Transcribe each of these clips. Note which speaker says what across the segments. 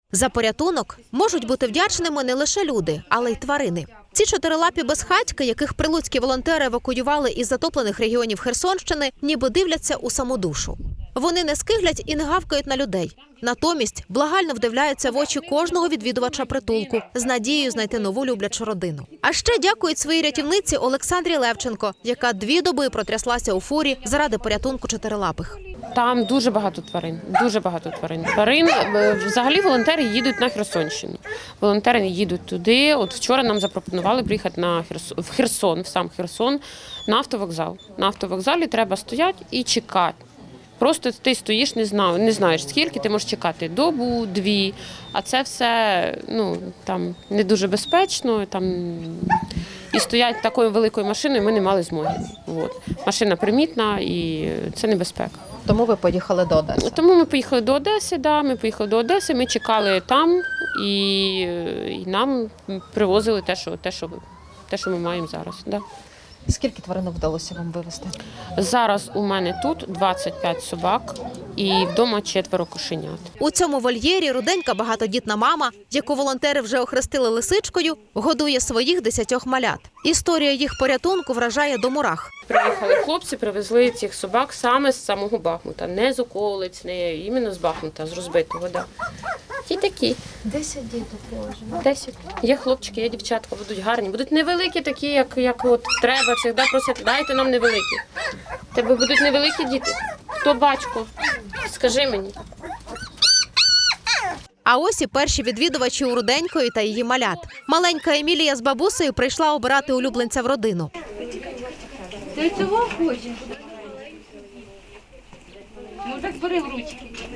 Speaker 1: За порятунок можуть бути вдячними не лише люди, але й тварини. Ці чотирилапі безхатьки, яких прилуцькі волонтери евакуювали із затоплених регіонів Херсонщини, ніби дивляться у саму душу. Вони не скиглять і не гавкають на людей. Натомість благально вдивляються в очі кожного відвідувача притулку з надією знайти нову люблячу родину. А ще дякують своїй рятівниці Олександрі Левченко, яка 2 доби протряслася у фурі заради порятунку чотирилапих.
Speaker 2: Там дуже багато тварин, дуже багато тварин. Взагалі волонтери їдуть на Херсонщину. Волонтери їдуть туди. От вчора нам запропонували приїхати в Херсон, в сам Херсон, на автовокзал. На автовокзалі треба стояти і чекати. Просто ти стоїш, не знаєш скільки, ти можеш чекати добу, 2, а це все там не дуже безпечно. І стоять такою великою машиною ми не мали змоги. Машина примітна і це небезпека.
Speaker 1: Тому ви поїхали до Одеси?
Speaker 2: Тому ми поїхали до Одеси, ми чекали там і нам привозили те, що ми маємо зараз. Да.
Speaker 1: Скільки тваринок вдалося вам вивезти?
Speaker 2: Зараз у мене тут 25 собак і вдома 4 кошенят.
Speaker 1: У цьому вольєрі руденька багатодітна мама, яку волонтери вже охрестили лисичкою, годує своїх 10 малят. Історія їх порятунку вражає до мурах.
Speaker 2: Приїхали хлопці, привезли цих собак саме з самого Бахмута. Не з околиць, не іменно з Бахмута, з розбитого. Да. Ті такі.
Speaker 1: 10 діток положено.
Speaker 2: 10. Є хлопчики, є дівчатка, будуть гарні. Будуть невеликі такі, як от треба. Завжди просять, дайте нам невеликі. Тебе будуть невеликі діти. Хто батько? Скажи мені.
Speaker 1: А ось і перші відвідувачі у Руденької та її малят. Маленька Емілія з бабусею прийшла обирати улюбленця в родину.
Speaker 3: Ти цього хочеш? Ну так бери в ручки.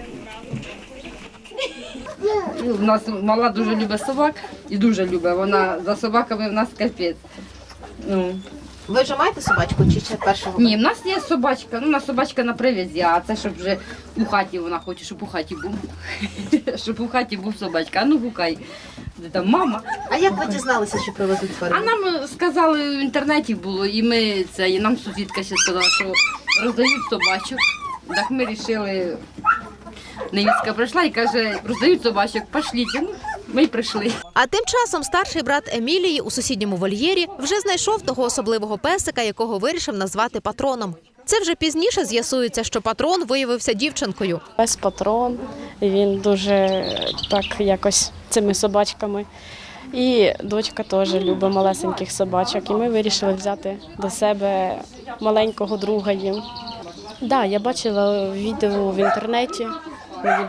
Speaker 4: У нас мала дуже любить собак і дуже любить. Вона за собаками в нас капець.
Speaker 1: Ви вже маєте собачку чи ще першого?
Speaker 4: Ні, в нас є собачка, у нас собачка на привязі, а це щоб вже у хаті вона хоче, щоб у хаті був. Щоб у хаті був собачка. А ну гукай. Де там мама?
Speaker 1: А як ви дізналися, що привезуть
Speaker 4: А
Speaker 1: тварину?
Speaker 4: нам сказали, в інтернеті було, і нам сусідка ще сказала, що роздають собачок. Так ми вирішили, невістка прийшла і каже, роздають собачок, пошліть. Ну, ми й прийшли.
Speaker 1: А тим часом старший брат Емілії у сусідньому вольєрі вже знайшов того особливого песика, якого вирішив назвати Патроном. Це вже пізніше з'ясується, що Патрон виявився дівчинкою.
Speaker 5: Пес Патрон, він дуже так якось цими собачками. І дочка теж любить малесеньких собачок. І ми вирішили взяти до себе маленького друга їм. Так, я бачила відео в інтернеті. Мені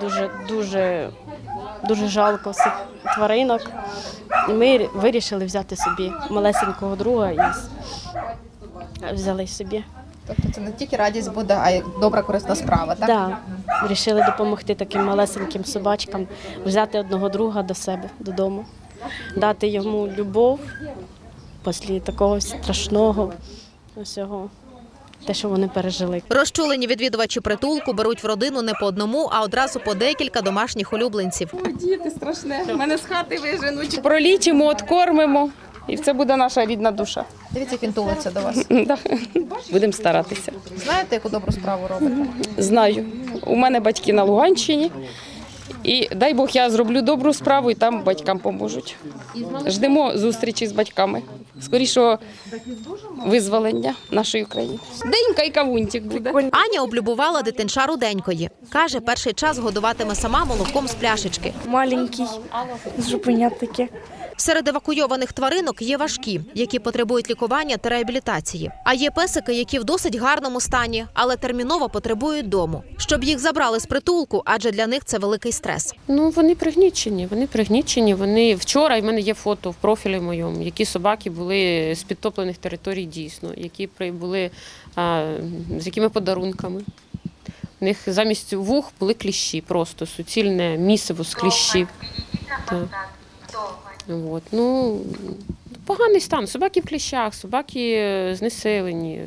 Speaker 5: дуже жалко цих тваринок. І ми вирішили взяти собі малесенького друга і взяли собі.
Speaker 6: Тобто це не тільки радість буде, а й добра корисна справа, так?
Speaker 5: Так, вирішили допомогти таким малесеньким собачкам, взяти одного друга до себе додому, дати йому любов після такого страшного усього. Те, що вони пережили.
Speaker 1: Розчулені відвідувачі притулку беруть в родину не по одному, а одразу по декілька домашніх улюбленців.
Speaker 7: Діти страшне, мене з хати виженуть. Пролічимо, откормимо, і це буде наша рідна душа.
Speaker 6: Дивіться, як він тулиться до вас.
Speaker 7: Будемо старатися.
Speaker 6: Знаєте, яку добру справу робите?
Speaker 7: Знаю, у мене батьки на Луганщині, і дай Бог я зроблю добру справу, і там батькам поможуть. Ждемо зустрічі з батьками, скорішого визволення нашої України. Денька і кавунчик буде.
Speaker 1: Аня облюбувала дитинча Руденької. Каже, перший час годуватиме сама молоком з пляшечки.
Speaker 5: Маленький, зупинять таке.
Speaker 1: Серед евакуйованих тваринок є важкі, які потребують лікування та реабілітації. А є песики, які в досить гарному стані, але терміново потребують дому. Щоб їх забрали з притулку, адже для них це великий стрес.
Speaker 2: Вони пригнічені. Вчора, в мене є фото в профілі моєму, які собаки були з підтоплених територій дійсно, які були з якими подарунками. У них замість вух були кліщі, просто суцільне місиво з кліщів. Поганий стан. Собаки в кліщах, собаки знесилені.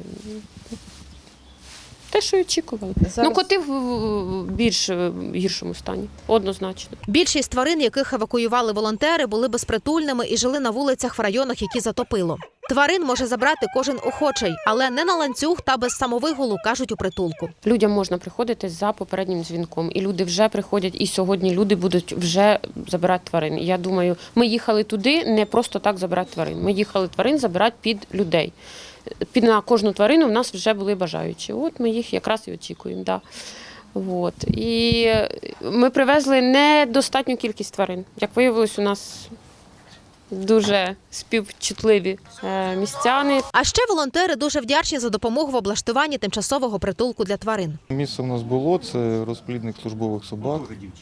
Speaker 2: Те, що й очікували. Коти в більш гіршому стані, однозначно.
Speaker 1: Більшість тварин, яких евакуювали волонтери, були безпритульними і жили на вулицях в районах, які затопило. Тварин може забрати кожен охочий, але не на ланцюг та без самовигулу, кажуть у притулку.
Speaker 2: Людям можна приходити за попереднім дзвінком, і люди вже приходять, і сьогодні люди будуть вже забирати тварин. Я думаю, ми їхали туди не просто так забирати тварин. Ми їхали тварин забирати під людей. На кожну тварину в нас вже були бажаючі. От ми їх якраз і очікуємо. Да. От. І ми привезли недостатню кількість тварин. Як виявилось, у нас дуже співчутливі містяни.
Speaker 1: А ще волонтери дуже вдячні за допомогу в облаштуванні тимчасового притулку для тварин.
Speaker 8: Місце в нас було, це розплідник службових собак.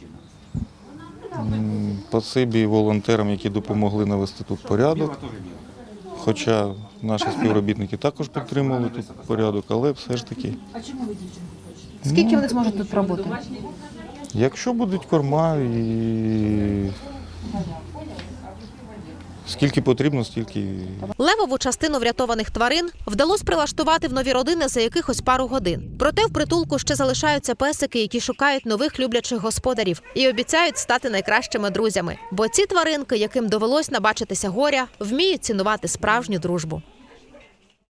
Speaker 8: Спасибі волонтерам, які допомогли навести тут порядок. Хоча наші співробітники також підтримували тут порядок, але все ж таки.
Speaker 6: Скільки вони зможуть тут пробути?
Speaker 8: Якщо будуть корма і скільки потрібно, стільки.
Speaker 1: Левову частину врятованих тварин вдалося прилаштувати в нові родини за якихось пару годин. Проте в притулку ще залишаються песики, які шукають нових люблячих господарів і обіцяють стати найкращими друзями. Бо ці тваринки, яким довелось набачитися горя, вміють цінувати справжню дружбу.